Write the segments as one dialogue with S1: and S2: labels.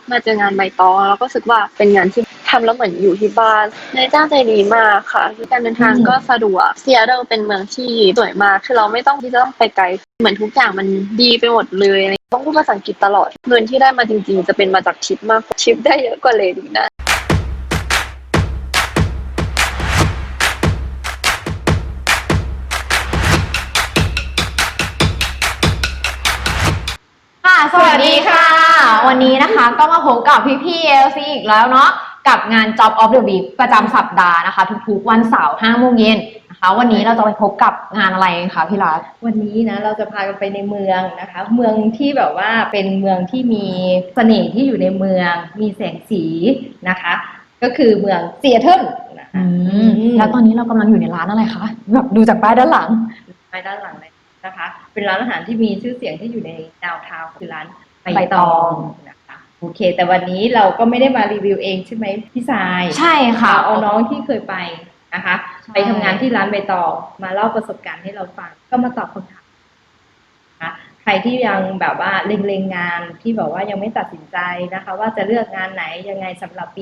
S1: มาเจองานใบตองแล้วก็รู้สึกว่าเป็นงานที่ทำแล้วเหมือนอยู่ที่บ้านนายจ้างใจดีมากค่ะการเดินทางก็สะดวกซีแอตเทิลเป็นเมืองที่สวยมากคือเราไม่ต้องที่จะต้องไปไกลเหมือนทุกอย่างมันดีไปหมดเลยต้องพูดภาษาอังกฤษตลอดเงินที่ได้มาจริงๆจะเป็นมาจากทิปมากทิปได้เยอะกว่าเลยดีนะ
S2: ค่ะสวัสดีค่ะ วันนี้นะคะก็มาพบกับพี่ๆ LC อีกแล้วเนาะกับงาน Job of the Week ประจำสัปดาห์นะคะทุกๆวันเสาร์5 โมงเย็นนะคะวันนี้เราจะไปพบกับงานอะไรคะพี่รัฐ
S3: วันนี้นะเราจะพากันไปในเมืองนะคะเมืองที่แบบว่าเป็นเมืองที่มีเสน่ห์ที่อยู่ในเมืองมีแสงสีนะคะก็คือเมืองซีแอตเทิลนะคะ
S2: แล้วตอนนี้เรากำลังอยู่ในร้านอะไรคะแบบดูจากป้ายด้านหลัง
S3: ไปด้านหลังเลยนะคะเป็นร้านอาหารที่มีชื่อเสียงที่อยู่ในดาวน์ทาวน์คือร้านใบตองนะคะโอเคแต่วันนี้เราก็ไม่ได้มารีวิวเองใช่ไหมพี่สาย
S2: ใช่ค่ะ
S3: เอาน้องที่เคยไปนะคะไปทำงานที่ร้านใบตองมาเล่าประสบการณ์ให้เราฟังก็มาตอบคำถามนะคะใครที่ยังแบบว่าเล็งๆงานที่แบบว่ายังไม่ตัดสินใจนะคะว่าจะเลือกงานไหนยังไงสำหรับปี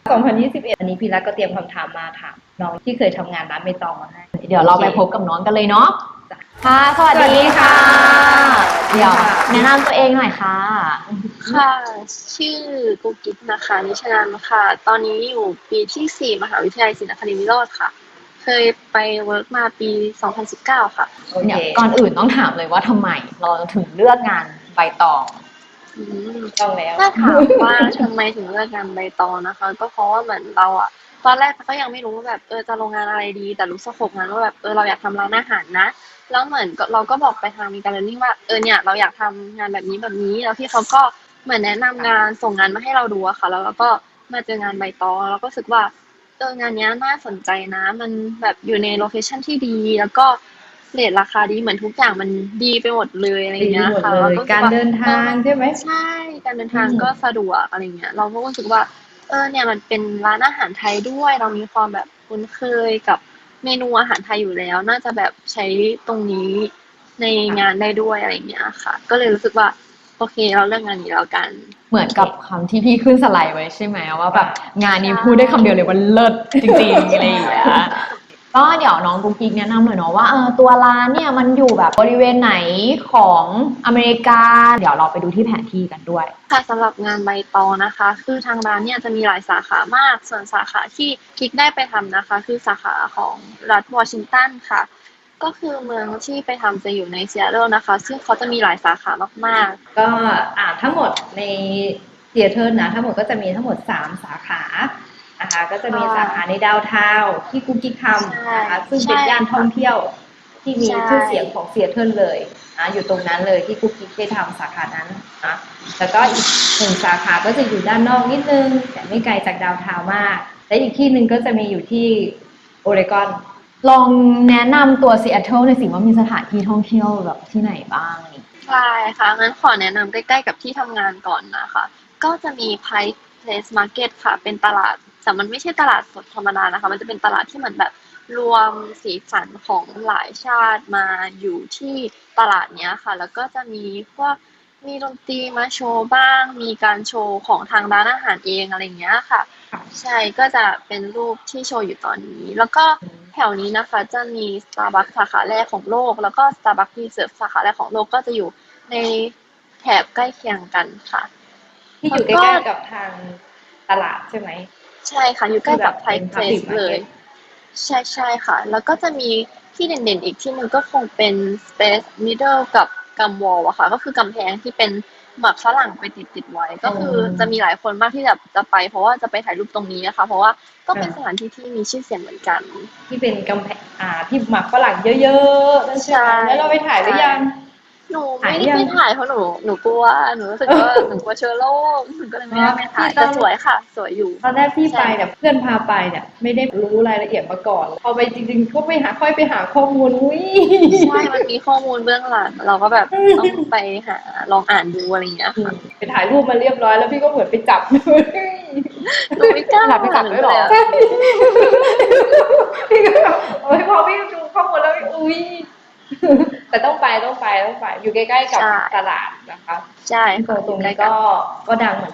S3: 2021อันนี้พี่รักก็เตรียมคำถามมาถามน้องที่เคยทำงานร้านใบตองมาให้
S2: เดี๋ยวเราไปพบกับน้องกันเลยเนาะค่ะสวัสดีค่ะเดี๋ยวแนะนำตัวเองหน่อยค่ะ
S1: ค่ะชื่อกุ๊กกิ๊กนะคะนิชนันค่ะตอนนี้อยู่ปีที่4มหาวิทยาลัยศรีนครินทร์วิโรธค่ะเคยไปเวิร์กมาปี2019ค่ะ
S2: เดี๋ยวก่อนอื่นต้องถามเลยว่าทำไมเราถึงเลือกงานใบตอง
S3: ต้องแล้ว
S1: ถ้าถามว่าทำไมถึงเลือกงานใบตองนะคะก็เพราะว่าเหมือนเราอะตอนแรกก็ยังไม่รู้ว่าแบบจะลงงานอะไรดีแต่รู้สโคปงานว่าแบบเราอยากทำร้านอาหารนะแล้วเหมือนเราก็บอกไปทางมีการเรียนรู้ว่าเนี่ยเราอยากทำงานแบบนี้แบบนี้แล้วพี่เขาก็เหมือนแนะนำงานส่งงานมาให้เราดูอะค่ะแล้วเราก็มาเจองานใบตองแล้วก็รู้สึกว่างานเนี้ยน่าสนใจนะมันแบบอยู่ในโลเคชั่นที่ดีแล้วก็เรทราคาดีเหมือนทุกอย่างมันดีไปหมดเลยอะไรเงี้ยค่ะแล้วก็รู้สึ
S3: การ
S1: กว่า
S3: เดินทางใช่ไหม
S1: ใช่การเดินทางก็สะดวกอะไรเงี้ยเราก็รู้สึกว่าเนี่ยมันเป็นร้านอาหารไทยด้วยเรามีความแบบคุ้นเคยกับเมนูอาหารไทยอยู่แล้วน่าจะแบบใช้ตรงนี้ในงานได้ด้วยอะไรเงี้ยค่ะก็เลยรู้สึกว่าโอเคเราเลือกงานนี้แล้วกัน
S2: เหมือนกับคำที่พี่ขึ้นสไลด์ไว้ใช่ไหมว่าแบบงานนี้
S1: ใช่
S2: พูดได้คำเดียวเลยว่าเลิศจริงๆอะไรอย่างเงี้ยก็เดี๋ยวน้องกุ๊กกิ๊กแนะนำหน่อยเนาะว่าตัวร้านเนี่ยมันอยู่แบบบริเวณไหนของอเมริกาเดี๋ยวเราไปดูที่แผนที่กันด้วย
S1: ค่ะสำหรับงานใบตองนะคะคือทางร้านเนี่ยจะมีหลายสาขามากส่วนสาขาที่กิ๊กได้ไปทำนะคะคือสาขาของรัฐวอชิงตันค่ะก็คือเมืองที่ไปทำจะอยู่ในซีแอตเทิลนะคะซึ่งเขาจะมีหลายสาขามาก
S3: ก็ทั้งหมดในซีแอตเทิลนะทั้งหมดก็จะมีทั้งหมด3 สาขานะคะก็จะมีสาขาในดาวน์ทาวน์ที่กุ๊กกิ๊กทำนะคะซึ่งเป็นย่านท่องเที่ยวที่มีชื่อเสียงของซีแอตเทิลเลยนะอยู่ตรงนั้นเลยที่กุ๊กกิ๊กได้ทำสาขานั้นนะแล้วก็อีก1 สาขาก็จะอยู่ด้านนอกนิดนึงแต่ไม่ไกลจากดาวน์ทาวน์มากและอีกที่หนึ่งก็จะมีอยู่ที่โอเรกอน
S2: ลองแนะนำตัวซีแอตเทิลในอยสิว่ามีสถานที่ท่องเที่ยวแบบที่ไหนบ้าง
S1: ใช่ค่ะงั้นขอแนะนำใกล้ๆกับที่ทำงานก่อนนะคะก็จะมี Pike Place Market ค่ะเป็นตลาดแต่มันไม่ใช่ตลาดสดธรรมดานะคะมันจะเป็นตลาดที่เหมือนแบบรวมสีสันของหลายชาติมาอยู่ที่ตลาดเนี้ยค่ะแล้วก็จะมีพวกมีดนตรีมาโชว์บ้างมีการโชว์ของทางร้านอาหารเองอะไรเงี้ยค่ะใช่ก็จะเป็นรูปที่โชว์อยู่ตอนนี้แล้วก็แถวนี้นะคะจะมี Starbucks สาขาแรกของโลกแล้วก็ Starbucks Reserve สาขาแรกของโลกก็จะอยู่ในแถบใกล้เคียงกันค่ะ
S3: ที่อยู่ใก
S1: แล้วก็
S3: ล้ๆกับทางตลาดใช่ไหม
S1: ใช่ค่ะอยู่ใกล้กับ
S3: เป็น
S1: Pike
S3: Public
S1: Place เลย
S3: Market
S1: ใช่ค่ะแล้วก็จะมีที่เด่นๆอีกที่หนึ่งก็คงเป็น Space Needle กับ Gum Wall อะค่ะก็คือกำแพงที่เป็นหมากฝรั่งไปติดไว้ก็คือจะมีหลายคนมากที่แบบจะไปเพราะว่าจะไปถ่ายรูปตรงนี้นะคะเพราะว่าก็เป็นสถานที่ที่มีชื่อเสียงเหมือนกัน
S3: ที่เป็นกำแพงที่หมักฝรั่งเยอะๆนั่นใช่ไหม
S1: ใช่
S3: แล้วเราไปถ่ายหรือยัง
S1: หนู
S3: ถ่ายหรือยัง
S1: ไม่ได้ไปถ่ายเพราะหนูกลัวหนูรู้สึกว่าหนูกลัวเชื้อโรคหนูก็เลยไม่ได้ไปถ่ายแต่สวยค่ะสวยอยู่
S3: ตอนแรกที่ไป
S1: ใช่
S3: เนี่ยเพื่อนพาไปเนี่ยไม่ได้รู้รายละเอียดมาก่อนพอไปจริงๆก็ค่อยไปหาข้อมูลอุ้ย
S1: ใช่มันมีข้อมูลเบื้องหลังเราก็แบบต้องไปหาลองอ่านดูอะไรอย่างเงี้ยค่ะ
S3: ไปถ่ายรูปมาเรียบร้อยแล้วพี่ก็เหมือนไปจับ
S1: หนูไม่กล้า
S2: หลับไปกลับด้วยหรอ
S3: ใช่พี่ก็แบบโอ้ยพอพี่ดูข้อมูลแล้วอุ้ยแต่ต้องไปอยู่ใกล้ๆกับตลาดนะคะ
S1: ใช่
S3: ตรงนี้ก็ดังเหมือนกัน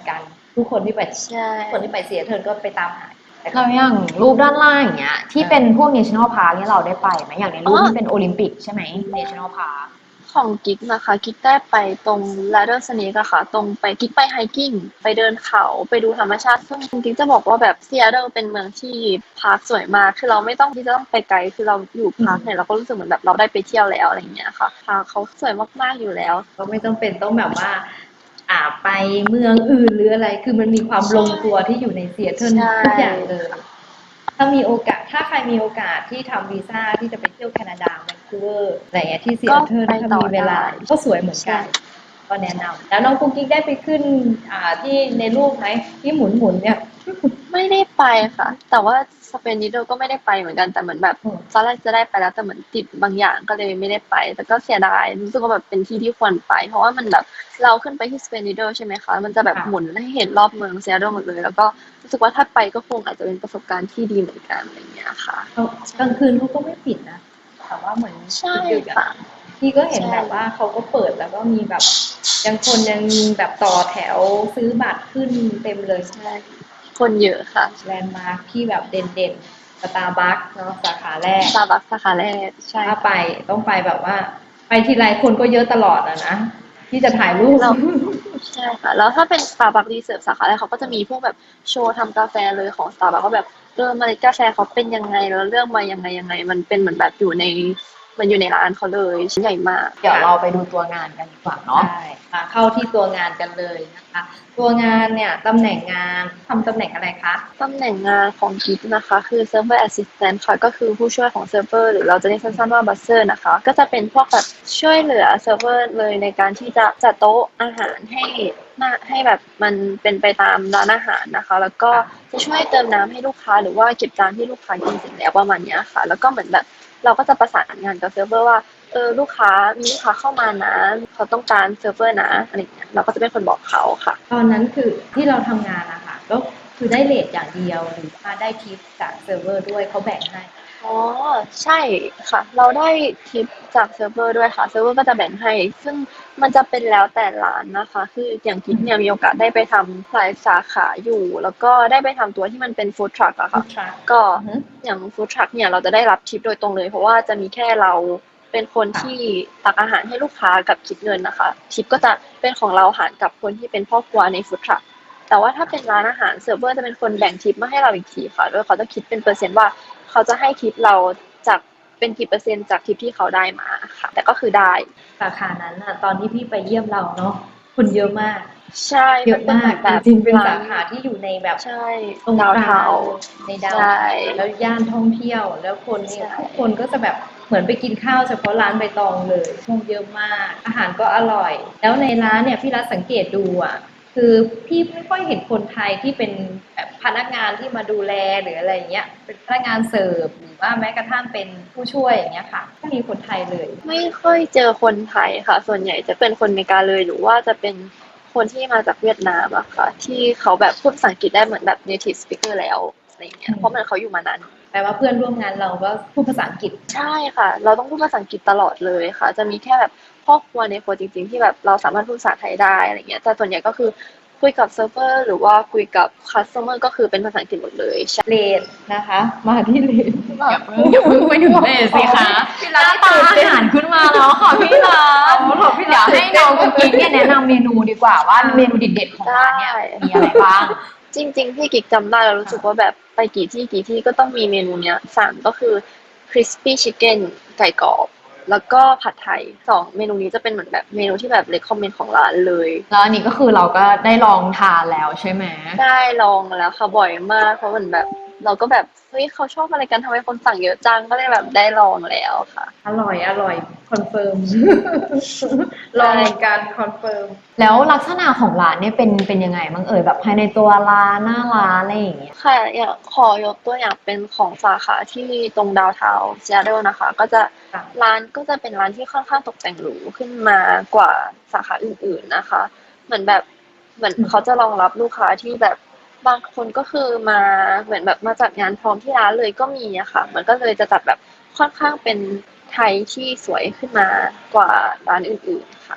S3: ทุกคนที่ไป
S1: ใช่
S3: คนที่ไปซีแอตเทิลก็ไปตามหาแต่ก็
S2: เราอย่างรูปด้านล่างอย่างเงี้ยที่เป็นพวก National Park เนี่ยเราได้ไปไหมอย่างในรูปที่เป็นโอลิมปิกใช่ไหม National Park
S1: ของกิ๊กนะคะกิ๊กได้ไปตรง Ladder Snake อะค่ะตรงไปกิ๊กไปไฮกิ้งไปเดินเขาไปดูธรรมชาติซึ่งกิ๊กจะบอกว่าแบบซีแอตเทิลเป็นเมืองที่พาร์คสวยมากคือเราไม่ต้องที่จะต้องไปไกลคือเราอยู่พาร์คเนี่ยเราก็รู้สึกเหมือนแบบเราได้ไปเที่ยวแล้วอะไรอย่างเงี้ยค่ะพาร์คเขาสวยมากๆอยู่แล้ว
S3: ก็ไม่ต้องเป็นต้องแบบว่าไปเมืองอื่นหรืออะไร คือมันมีความลงตัวที่อยู่ในซีแอตเทิล
S1: ใช่
S3: ทุกอย่างเลย ถ้ามีโอกาสถ้าใครมีโอกาสที่ทำวีซ่าที่จะไปเที่ยวแคนาดาแวนคูเวอร์อะไรเงี้ยที่ซีแอตเทิล
S1: ก็ไป
S3: ถ้า
S1: ต่อ
S3: มีเวลา
S1: ได้
S3: ก็สวยเหมือนกัน ก็แนะนำแล้วน้องกุ๊กกิ๊กได้ไปขึ้นที่ในรูปไหมที่หมุนเนี่ย
S1: ไม่ได้ไปค่ะ แต่ว่าสเปนนิโดก็ไม่ได้ไปเหมือนกันแต่เหมือนแบบ
S3: อืม
S1: ตอนแรกจะได้ไปแล้วแต่เหมือนติดบางอย่างก็เลยไม่ได้ไป แต่ก็เสียดายรู้สึกว่าแบบเป็นที่ที่ควรไป เพราะว่ามันแบบเราขึ้นไปที่สเปนนิโดใช่ไหมคะมันจะแบบหมุนให้เห็นรอบเมืองเซียโดหมดเลย แล้วก็รู้สึกว่าถ้าไปก็คงอาจจะเป็นประสบการณ์ที่ดีเหมือนกันอะไรอย่างเงี้ยค่ะ
S3: กลางคืนเขาก็ไม่ปิดนะแต่ว่าเหมือน
S1: ใช่
S3: ดึกๆ
S1: ค่ะ
S3: อะพี่ก็เห็น
S1: ใช่
S3: แบบว่าเขาก็เปิดแล้วก็มีแบบยังแบบต่อแถวซื้อบัตรขึ้นเต็มเลย
S1: ใช่คนเยอะค่ะ
S3: แลนด์มาร์คที่แบบเด่นๆสตาร์บัคเนาะสาขาแรก
S1: ซาบักสาขาแรกใช่
S3: ถ้า
S1: ค่ะ
S3: ไปต้องไปแบบว่า ไปทีไรคนก็เยอะตลอดอะนะที่จะถ่ายรูป
S1: เรา ใช่ค่ะแล้วถ้าเป็น Starbucks Reserve สาขาแรกเขาก็จะมีพวกแบบโชว์ทำกาแฟเลยของ Starbucks ว่าแบบเมล็ดกาแฟเขาเป็นยังไงแล้วเลือกมายังไงมันเป็นเหมือนแบบอยู่ในมันอยู่ในร้านเขาเลยชิ้นใหญ่มาก
S2: เดี๋ยวเราไปดูตัวงานกันดีกว่าเนาะ
S3: ใช่มาเข้าที่ตัวงานกันเลยนะคะ ตัวงานเนี่ยตำแหน่งงานทำตำแหน่งอะไรคะ
S1: ตำแหน่งงานของกิ๊กนะคะคือ Server Assistant ค่ะก็คือผู้ช่วยของเซิร์ฟเวอร์หรือเราจะเรียกสั้นๆว่า Buzzer นะคะก็จะเป็นพวกแบบช่วยเหลือเซิร์ฟเวอร์เลยในการที่จะจัดโต๊ะอาหารให้แบบมันเป็นไปตามร้านอาหารนะคะแล้วก็จะช่วยเติมน้ำให้ลูกค้าหรือว่าเก็บจานที่ลูกค้ากินเสร็จแล้วประมาณเนี้ยค่ะแล้วก็เหมือนแบบเราก็จะประสานงานกับเซิร์ฟเวอร์ว่าลูกค้ามีลูกค้าเข้ามานะเขาต้องการเซิร์ฟเวอร์นะอะไรอย่างเงี้ยเราก็จะเป็นคนบอกเขาค่ะ
S3: ตอนนั้นคือที่เราทำงานนะคะก็คือได้เรทอย่างเดียวหรือว่าได้ทิปจากเซิร์ฟเวอร์ด้วยเขาแบ่งให้
S1: อ๋อใช่ค่ะเราได้ทิปจากเซิร์ฟเวอร์ด้วยค่ะเซิร์ฟเวอร์ก็จะแบ่งให้ซึ่งมันจะเป็นแล้วแต่ร้านนะคะคืออย่างกิ๊กเนี่ยมีโอกาสได้ไปทำหลายสาขาอยู่แล้วก็ได้ไปทำตัวที่มันเป็นฟู้ดทรัคอะค่ะ
S3: Food truck
S1: ก็
S3: อือฮึ
S1: อย่างฟู้ดทรัคเนี่ยเราจะได้รับทิปโดยตรงเลยเพราะว่าจะมีแค่เราเป็นคนที่ตักอาหารให้ลูกค้ากับคิดเงินนะคะทิปก็จะเป็นของเราหารกับคนที่เป็นพ่อครัวในฟู้ดทรัคแต่ว่าถ้าเป็นร้านอาหารเซิร์ฟเวอร์จะเป็นคนแบ่งทิปมาให้เราอีกทีค่ะโดยเขาจะคิดเป็นเปอร์เซ็นต์ว่า เขาจะให้ทิปเราจากเป็นกี่เปอร์เซ็นต์จากทิปที่เขาได้มาค่ะ แต่ก็คือได้
S3: สาขานั้นน่ะตอนที่พี่ไปเยี่ยมเราเนาะคนเยอะมาก
S1: ใช่
S3: เยอะมาก
S1: แบบ
S3: จริงๆเป็นสาขาที่อยู่ในแบบ
S1: ใช่
S3: ตรง
S1: ดาว
S3: กลา
S1: เทาง
S3: ในดาว
S1: ใช่
S3: แล้วย่านท่องเที่ยวแล้วคนเนี่ย
S1: ใช่
S3: ทุกคนก็จะแบบเหมือนไปกินข้าวเฉพาะร้านใบตองเลยคนเยอะมาก อาหารก็อร่อย แล้วในร้านเนี่ยพี่รัฐสังเกตดูอ่ะคือพี่ไม่ค่อยเห็นคนไทยที่เป็นแบบพนักงานที่มาดูแลหรืออะไรอย่างเงี้ยเป็นพนักงานเสิร์ฟหรือว่าแม้กระทั่งเป็นผู้ช่วยอย่างเงี้ยค่ะไม่มีคนไทยเลย
S1: ไม่ค่อยเจอคนไทยค่ะ ส่วนใหญ่จะเป็นคนอเมริกาเลยหรือว่าจะเป็นคนที่มาจากเวียดนามอะค่ะ ที่เขาแบบพูดภาษาอังกฤษได้เหมือนแบบ native speaker แล้วอะไรอย่างเงี้ยเพราะมันเขาอยู่มานาน
S3: แปลว่าเพื่อนร่วมงานเราก็พูดภาษาอังกฤษ
S1: ใช่ค่ะ เราต้องพูดภาษาอังกฤษตลอดเลยค่ะ จะมีแค่แบบพ่อครัวในครัวจริงๆที่แบบเราสามารถพูดภาษาไทยได้อะไรเงี้ยแต่ส่วนใหญ่ก็คือคุยกับเซิร์ฟเวอร์หรือว่าคุยกับคัสเตอร์ก็คือเป็นภาษาอังกฤษหมดเลยใช่
S3: เลดนะคะ มาที่เลด
S2: อย่าเพิ่งไปถึงเลยสิคะหน้าตาอาหารขึ้นมาแล้วค่ะพี่รัฐเดี๋ยวให้น้องกุ๊กกิ๊กเนี่ยแนะนำเมนูดีกว่าว่าเมนูเด็ดๆของร้านเนี่ยมีอะไรบ้าง
S1: จริงๆพี่กิ๊กจำได้แล้วรู้สึกว่าแบบไปกี่ที่ก็ต้องมีเมนูเนี้ยสั่งก็คือ crispy chicken ไก่กรอบแล้วก็ผัดไทย2เมนูนี้จะเป็นเหมือนแบบเมนูที่แบบ recommend ของร้านเลย
S2: แล้วอันนี้ก็คือเราก็ได้ลองทานแล้วใช่ไหม
S1: ได้ลองมาแล้วค่ะบ่อยมากเพราะเหมือนแบบเราก็แบบเฮ้ยเขาชอบอะไรกันทำไมคนสั่งเยอะจังก็เลยแบบได้ลองแล้วค่ะ
S3: อร่อยคอนเฟิร์ม ลองการคอนเฟิร์ม
S2: แล้วลักษณะของร้านเนี่ยเป็นยังไงบ้างเอ่ยแบบภายในตัวร้านหน้าร้านอะไรอย่างเงี้ย
S1: ค่ะอยากขอยกตัวอย่างเป็นของสาขาที่ตรงดาวเทาซีแอตเทิลนะคะก็จะ
S3: ค่ะ
S1: ร้านก็จะเป็นร้านที่ค่อนข้างตกแต่งหรูขึ้นมากว่าสาขาอื่นๆนะคะเหมือนแบบเหมือนเขาจะรองรับลูกค้าที่แบบบางคนก็คือมาเหมือนแบบมาจัดงานพร้อมที่ร้านเลยก็มีอะค่ะมันก็เลยจะจัดแบบค่อนข้างเป็นไทยที่สวยขึ้นมากว่าร้านอื่นๆค่ะ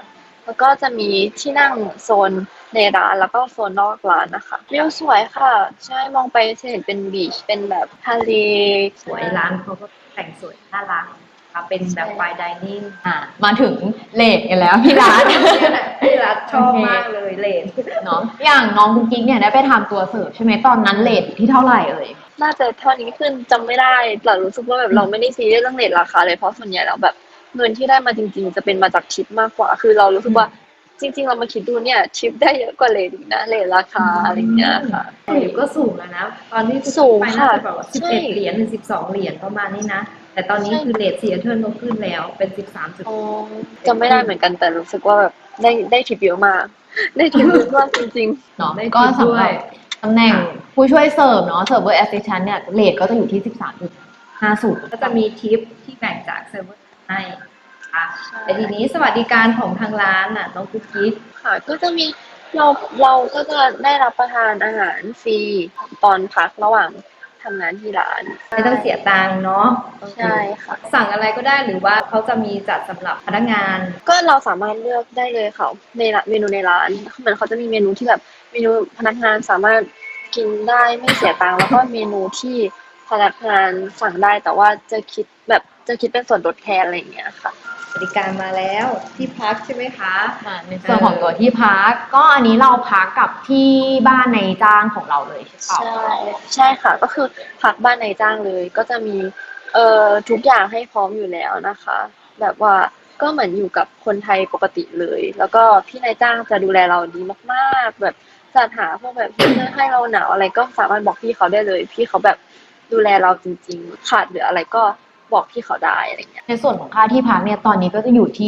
S1: แล้วก็จะมีที่นั่งโซนในร้านแล้วก็โซนนอกร้านนะคะวิวสวยค่ะใช่มองไปจะเห็นเป็นบีชเป็นแบบทะเล
S3: สวยร้านเขาก็แต่งสวยน่ารักค่ะเป็นแบบไฟน์ไดนิ่ง
S2: มาถึงเลทกันแล้วพี่รัฐ
S3: ที่รักชอบ
S2: โอเค
S3: มากเลยเลน
S2: เนาะอย่างน้องกุ๊กกิ๊กเนี่ยได้ไปทำตัวเสิร์ฟใช่ไหมตอนนั้นเลทอยู่ที่เท่าไหร่เอ่ย
S1: น่าจะเท่านี้ขึ้นจำไม่ได้แต่รู้สึกว่าแบบเราไม่ได้ซีเรียสเรื่องเรทราคาเลยเพราะส่วนใหญ่แล้วแบบเงินที่ได้มาจริงๆจะเป็นมาจากทิปมากกว่าคือเรารู้สึกว่าจริงๆเรามาคิดดูเนี่ยทิปได้เยอะกว่าเรทอีกนะเรทราคาอะไรอย่างเงี้ยค่ะ
S3: หลิวก็สูงแล้วนะ ตอนที่
S1: สูง
S3: ไปน่า
S1: ค่ะ
S3: จะแบบว่า
S1: ใช่
S3: 11 เหรียญหรือ 12 เหรียญประมาณนี้นะ แต่ตอนนี้
S1: ใช่
S3: คือเรทซีแอตเทิลก็ขึ้นแล้วเป็น
S1: อ๋อจำไม่ได้เหมือนกันแต่รู้สึกว่าแบบได้ทิปเยอะมากได้ทิปเยอะมากจริง
S2: เนาะ
S3: ได้
S2: ก็
S3: ทิป
S2: สำ
S3: ด้
S2: ห
S3: ว
S2: รับ
S3: ย
S2: ตำแหน่งผู้ช่วยเสิร์ฟเนาะเสิร์ฟเวอร์แอสซิสแตนต์เนี่ยเรทก็จะอยู่ที่ 13.50
S3: ก็จะมีทิปที่แบ่งจากเซิร์ฟเวอร์ให้ค่ะ
S1: ใช่
S3: แต่ทีนี้สวัสดิการของทางร้านน่ะน้องกุ๊กกิ๊ก
S1: ค่ะก็จะมีเราเราก็จะได้รับประทานอาหารฟรีตอนพักระหว่างทำงานที่ร้าน
S3: ไม่ต้องเสียตังค์เนาะ
S1: ใช่ค่ะ
S3: สั่งอะไรก็ได้หรือว่าเขาจะมีจัดสำหรับพนักงาน
S1: ก็เราสามารถเลือกได้เลยค่ะในร้านเมนูในร้านเหมือนเขาจะมีเมนูที่แบบเมนูพนักงานสามารถกินได้ไม่เสียตังค์แล้วก็เมนูที่พนักงานสั่งได้แต่ว่าจะคิดเป็นส่วนลดแทนอะไรอย่างเงี้ยค่ะ
S3: บริการมาแล้วที่พักใช่ไหมคะ
S2: ในส่วนของตัวที่พักก็อันนี้เราพักกับที่บ้านในจ้างของเราเลยใช่เปล่า
S1: ใช่ใช่ค่ะก็คือพักบ้านนายจ้างเลยก็จะมีทุกอย่างให้พร้อมอยู่แล้วนะคะแบบว่าก็เหมือนอยู่กับคนไทยปกติเลยแล้วก็พี่นายจ้างจะดูแลเราดีมากๆแบบจัดหาพวกแบบเสื้อให้เราหนาวอะไรก็สามารถบอกพี่เขาได้เลยพี่เขาแบบดูแลเราจริงๆขาดเหลืออะไรก็บอกพี่เขาได้อะไรเงี้ย
S2: ในส่วนของค่าที่พักเนี่ยตอนนี้ก็จะอยู่ที่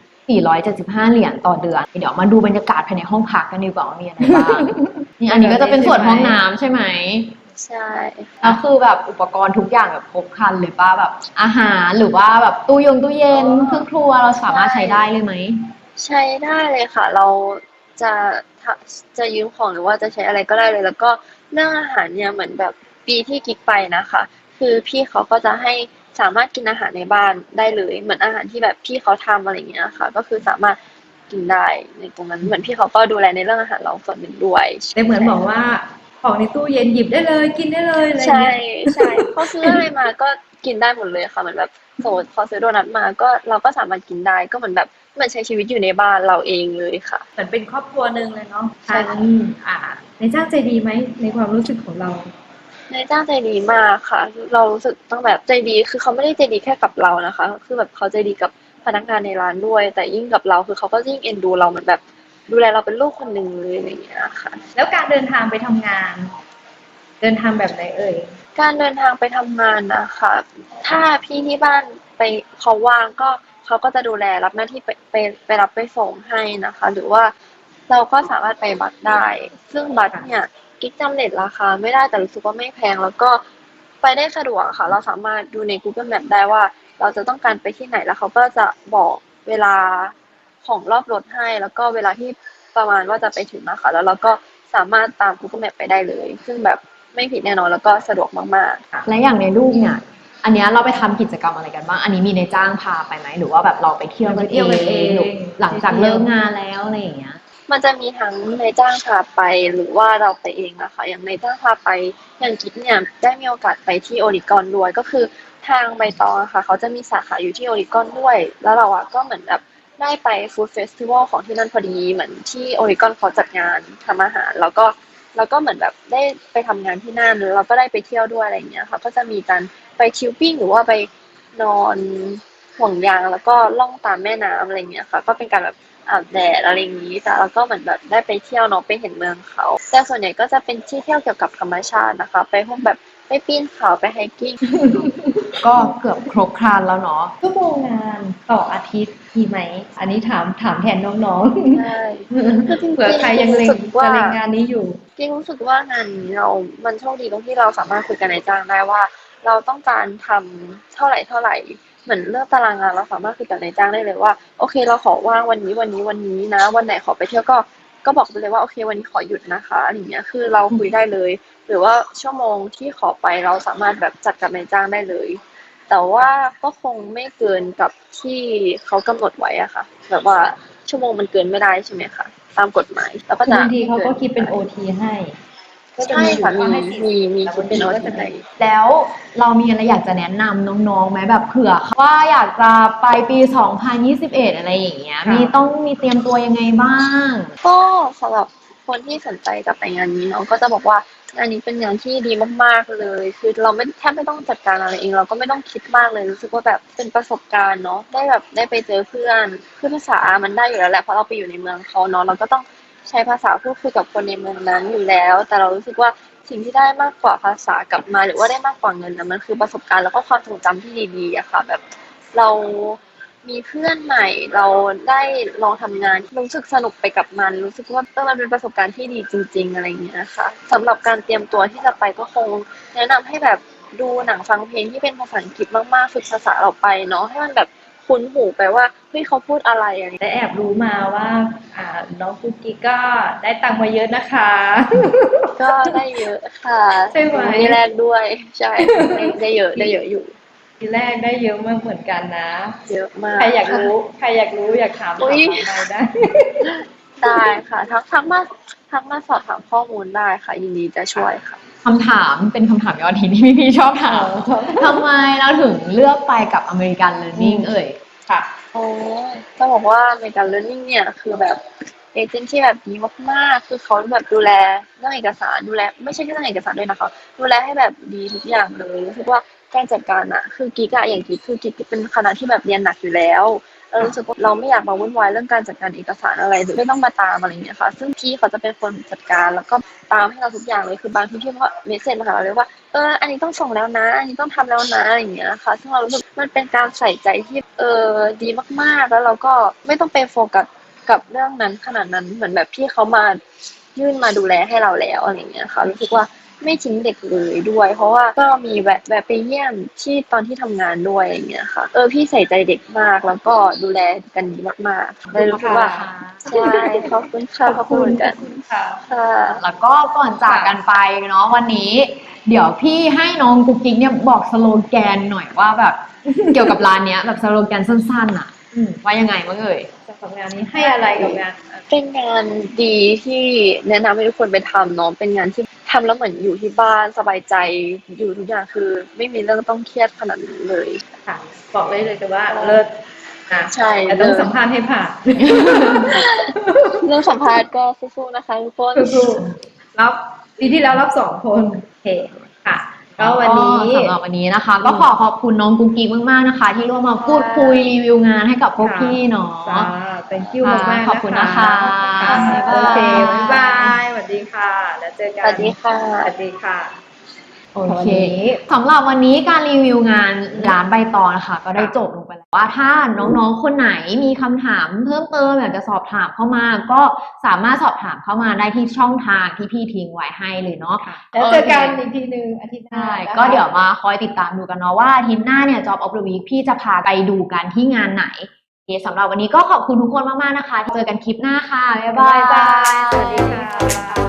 S2: 475 เหรียญต่อเดือนเดี๋ยวมาดูบรรยากาศภายในห้องพักกันดีกว่าว่ามีอะไรบ้าง นี่อันนี้ก็จะเป็นส่วนห้องน้ำใช่ไหม
S1: ใช่
S2: แล้วคือแบบอุปกรณ์ทุกอย่างแบบครบครันเลยป่ะแบบอาหารหรือว่าแบบตู้เย็นเครื่องครัวเราสามารถใช้ได้เลยไหม
S1: ใช้ได้เลยค่ะเราจะทะจะยืมของหรือว่าจะใช้อะไรก็ได้เลยแล้วก็เรื่องอาหารเนี่ยเหมือนแบบปีที่กิ๊กไปนะคะคือพี่เขาก็จะให้สามารถกินอาหารในบ้านได้เลยเหมือนอาหารที่แบบพี่เขาทำอะไรอย่างเงี้ยค่ะก็คือสามารถกินได้ในตรงนั้นเหมือนพี่เขาก็ดูแลในเรื่องอาหารเราส่วนหนึ่งด้วย
S3: แต่เหมือนบอกว่าของในตู้เย็นหยิบได้เลยกินได้เลยอะไรอย่าง
S1: ใช่
S3: เงี้ย
S1: ใช่เขาซื้ออะไรมาก็กินได้หมดเลยค่ะเหมือนแบบสมมติเขาซื้อโดนัทมาก็เราก็สามารถกินได้ก็เหมือนแบบเหมือนใช้ชีวิตอยู่ในบ้านเราเองเลยค่ะ
S3: เหมือนเป็นครอบครัวหนึ่งเลยเนาะ
S1: ใช่
S3: ทางอ่าในจ้างใจดีไหมในความรู้สึกของเรา
S1: นายจ้างใจดีมากค่ะเรารู้สึกตั้งแบบใจดีคือเขาไม่ได้ใจดีแค่กับเรานะคะคือแบบเขาใจดีกับพนักงานในร้านด้วยแต่ยิ่งกับเราคือเขาก็ยิ่งเอ็นดูเราเหมือนแบบดูแลเราเป็นลูกคนหนึ่งเลยอะไรอย่างเงี้ยค่ะ
S3: แล้วการเดินทางไปทำงาน เดินทางแบบไหนเอ่ย
S1: การเดินทางไปทำงานนะคะถ้าพี่ที่บ้านไปเขาว่างก็เขาก็จะดูแลรับหน้าที่ไปรับไปส่งให้นะคะหรือว่าเราก็สามารถไปบัสได้ซึ่งบัสเนี่ยกิ๊กจำเรทราคาไม่ได้แต่รู้สึกว่าไม่แพงแล้วก็ไปได้สะดวกค่ะเราสามารถดูใน Google Map ได้ว่าเราจะต้องการไปที่ไหนแล้วเขาก็จะบอกเวลาของรอบรถให้แล้วก็เวลาที่ประมาณว่าจะไปถึงนะคะแล้วเราก็สามารถตาม Google Map ไปได้เลยซึ่งแบบไม่ผิดแน่นอนแล้วก็สะดวกมากๆ
S2: และอย่างในรูปเนี่ย อันเนี้ยเราไปทำกิจกรรมอะไรกันบ้าง อันนี้มีในจ้างพาไปไหมหรือว่าแบบเราไปเที่ยวกัน
S3: ไปเที่ยวกันเอง
S2: หรือหลังจากเลิกงานแล้วอะไรอย่างเงี้ย
S1: มันจะมีทั้งนายจ้างพาไปหรือว่าเราไปเองนะคะอย่างนายจ้างพาไปอย่างกิ๊บเนี่ยได้มีโอกาสไปที่โอริกอนด้วยก็คือทางใบตองอะค่ะเขาจะมีสาขาอยู่ที่โอริกอนด้วยแล้วเราอะก็เหมือนแบบได้ไปฟู้ดเฟสติวัลของที่นั่นพอดีเหมือนที่โอริกอนเขาจัดงานทำอาหารแล้วก็เหมือนแบบได้ไปทำงานที่นั่นแล้วเราก็ได้ไปเที่ยวด้วยอะไรอย่างเงี้ยค่ะก็จะมีการไปชิลปิ้งหรือว่าไปนอนห่วงยางแล้วก็ล่องตามแม่น้ำอะไรอย่างเงี้ยค่ะก็เป็นการแบบ อาบแดดอะไรอย่างนี้แต่แล้วก็เหมือนแบบได้ไปเที่ยวเนาะไปเห็นเมืองเขาแต่ส่วนใหญ่ก็จะเป็นที่เที่ยวเกี่ยวกับธรรมชาตินะคะไปพวกแบบไปปีนเขาไปไฮกิ้ง
S2: ก็เกือบครบครันแล้วเนาะ
S3: ชั่วโมงงานต่ออาทิตย์มีไหม อันนี้ถามแทนน้อง
S1: ใช่คือจริงๆ
S3: เผื่อใครยังเล็ง
S1: รู้สึกว่า
S3: จะเล็งงานนี้อยู่
S1: จริงรู้สึกว่างานนี้มันโชคดีตรงที่เราสามารถคุยกับนายจ้างได้ว่าเราต้องการทำเท่าไหร่เหมือนเลือกตารางงานเราสามารถคุยกับนายจ้างได้เลยว่าโอเคเราขอว่างวันนี้นะวันไหนขอไปเที่ยวก็บอกไปเลยว่าโอเควันนี้ขอหยุดนะคะอะไรอย่างเงี้ยคือเราคุยได้เลย หรือว่าชั่วโมงที่ขอไปเราสามารถแบบจัดกับนายจ้างได้เลย แต่ว่าก็คงไม่เกินกับที่เขากำหนดไว้อะค่ะแบบว่าชั่วโมงมันเกินไม่ได้ใช่ไหมคะตามกฎหมายแล้วก็
S3: คื
S1: จะ
S3: อบางทีเขาก็คิดเป็น OT ให้ ก็จะ
S1: ใช่
S3: มีอยู่
S1: ค่ะ
S3: ว่าให้
S1: มี
S3: 40
S1: คิดเป็น
S3: แต่บางที
S1: OT
S3: ก็จะมี
S2: แล้วเรามีอะไรอยากจะแนะนำน้องๆไหมแบบเผื่อว่าอยากจะไปปี 2021 อะไรอย่างเงี้ย
S3: ค่ะ
S2: มีเตรียมตัวยังไงบ้าง
S1: ก็สำหรับคนที่สนใจจะไปงานนี้เนาะก็จะบอกว่างานนี้เป็นงานที่ดีมากๆเลยคือเราแทบไม่ต้องจัดการอะไรเองเราก็ไม่ต้องคิดมากเลยรู้สึกว่าแบบเป็นประสบการณ์เนาะได้ไปเจอเพื่อนคือภาษามันได้อยู่แล้วแหละเพราะเราไปอยู่ในเมืองเขาเนาะเราก็ต้องใช้ภาษาพูดคุยกับคนในเมืองนั้นอยู่แล้วแต่เรารู้สึกว่าสิ่งที่ได้มากกว่าภาษากลับมาหรือว่าได้มากกว่าเงินนะมันคือประสบการณ์แล้วก็ความทรงจำที่ดีๆอะค่ะแบบเรามีเพื่อนใหม่เราได้ลองทำงานรู้สึกสนุกไปกับมันรู้สึกว่ามันเป็นประสบการณ์ที่ดีจริงๆอะไรอย่างเงี้ยค่ะสำหรับการเตรียมตัวที่จะไปก็คงแนะนำให้แบบดูหนังฟังเพลงที่เป็นภาษาอังกฤษมากๆฝึกภาษาเราไปเนาะให้มันแบบคุ้นหูไปว่าเฮ้ยเขาพูดอะไรอะไรอย่าง
S3: แต่
S1: เงี้ย
S3: แอบรู้มาว่าน้องกุ๊กกิ๊กก็ได้ตังค์มาเยอะนะคะ
S1: ก็ได้เยอะค่ะ
S3: ใช่ไหม
S1: มีแรกด้วยใช่ได้เยอะอยู่
S3: ทีแรกได้เยอะมากเหมือนกันนะ
S1: เยอะมาก
S3: ใครอยากรู้อยากถาม
S1: อุ๊ย
S3: ถามเราได้
S1: ได้ค่ะทักมาสอบถามข้อมูลได้ค่ะยินดีจะช่วยค่ะ
S2: คำถามเป็นคำถามยอดฮิตที่พี่ๆชอบถามทำไมเราถึงเลือกไปกับ American Learning เอ่ย
S3: ค่ะ
S1: โอ้จะบอกว่าในการ learning เนี่ยคือแบบเอเจนต์ที่แบบดีมากๆคือเขาแบบดูแลเรื่องเอกสารดูแลไม่ใช่แค่เรื่องเอกสารด้วยนะคะดูแลให้แบบดีทุกอย่างเลยรู้สึกว่าการจัดการอะคือกิ๊กอะอย่างกิ๊กคือกิ๊กเป็นคณะที่แบบเรียนหนักอยู่แล้วเรารู้สึกว่าเราไม่อยากมาวุ่นวายเรื่องการจัดการเอกสารอะไรหรือไม่ต้องมาตามอะไรอย่างเงี้ยค่ะซึ่งพี่เขาจะเป็นคนจัดการแล้วก็ตามให้เราทุกอย่างเลยคือบางทีพี่เขาเมสเซจมาหาเราเลยว่าอันนี้ต้องส่งแล้วนะอันนี้ต้องทำแล้วนะอะไรอย่างเงี้ยค่ะซึ่งเรารู้สึกมันเป็นการใส่ใจที่ดีมากๆแล้วเราก็ไม่ต้องไปโฟกัสกับเรื่องนั้นขนาดนั้นเหมือนแบบพี่เขามายื่นมาดูแลให้เราแล้วอะไรอย่างเงี้ยค่ะรู้สึกว่าไม่ทิ้งเด็กเลยด้วยเพราะว่าก็มีแวะไปเยี่ยมที่ตอนที่ทำงานด้วยอย่างเงี้ยค่ะพี่ใส่ใจเด็กมากแล้วก็ดูแลกันดีมากๆเลยรู้สึกว่าใช่ขอบคุณค่ะขอบคุณเหมือนกัน
S3: ค่ะ
S1: ค่ะ
S2: แล้วก็ก่อนจากกันไปเนาะวันนี้ เดี๋ยวพี่ให้น้องกุ๊กกิ๊กเนี่ยบอกสโลแกนหน่อยว่าแบบ เกี่ยวกับร้านเนี้ยแบบสโลแกนสั้นๆอะว่ายังไงบ้างเอ่ย
S3: สำหรับงานนี้ให้อะไรกับงาน
S1: เป็นงานดีที่แนะนำให้ทุกคนไปทำเนาะเป็นงานที่ทำแล้วเหมือนอยู่ที่บ้านสบายใจอยู่ทุกอย่างคือไม่มีเรื่องต้องเครียดขนาดนั้นเลย
S3: ค่ะ บอกเลยแต่ว่าเลิศนะ
S1: ใช่
S3: แต่ต้อง
S1: เลิศ
S3: สัมภาษณ์ให้ผ่าน
S1: เรื่องสัมภาษณ์ก็สู้ๆนะคะทุกคน
S3: สู้ๆรับปีที่แล้วรับ2 คนโอเคค่ะ ก็วันนี้
S2: สำหรับวันนี้นะคะ ก็ขอบคุณน้องกุ๊กกิ๊กมากๆนะคะ ที่ร่วมมาพูดคุยรีวิวงานให้กับพวกพี่เนาะ
S3: จ้า thank you
S2: ค่ะ
S3: มากๆ
S2: ขอบคุณนะคะ
S3: ค่ะ
S1: บ๊ายบาย
S3: โอเคบ๊ายบายสวัสดีค่ะ แล้วเจอ
S1: ส
S3: กัน
S1: วัสดีค่ะ
S3: สวัสดีค่ะ
S2: โอเค
S3: วันนี้
S2: สำหรับวันนี้การรีวิวงานร้านใบตองนะคะ ก็ได้จบลงไปแล้วว่าถ้าน้องๆคนไหนมีคำถามเพิ่มเติมอยากจะสอบถามเข้ามา ก็สามารถสอบถามเข้ามาได้ที่ช่องทางที่พี่ทิ้งไว้ให้เลยเนาะ
S3: แล้วเจอกันอีกทีหนึ่งอาทิตย์หน้า
S2: ใช่
S3: นะคะ
S2: ก็เดี๋ยวมาคอยติดตามดูกันเนาะว่าอาทิตย์หน้าเนี่ย Job of the Week พี่จะพาไปดูกันที่งานไหนโอเคสำหรับวันนี้ก็ขอบคุณทุกคนมากๆนะคะเจอกันคลิปหน้าค่ะบ๊ายบา
S3: บ๊ายบาย
S2: ย
S3: สวัสดีค่ะ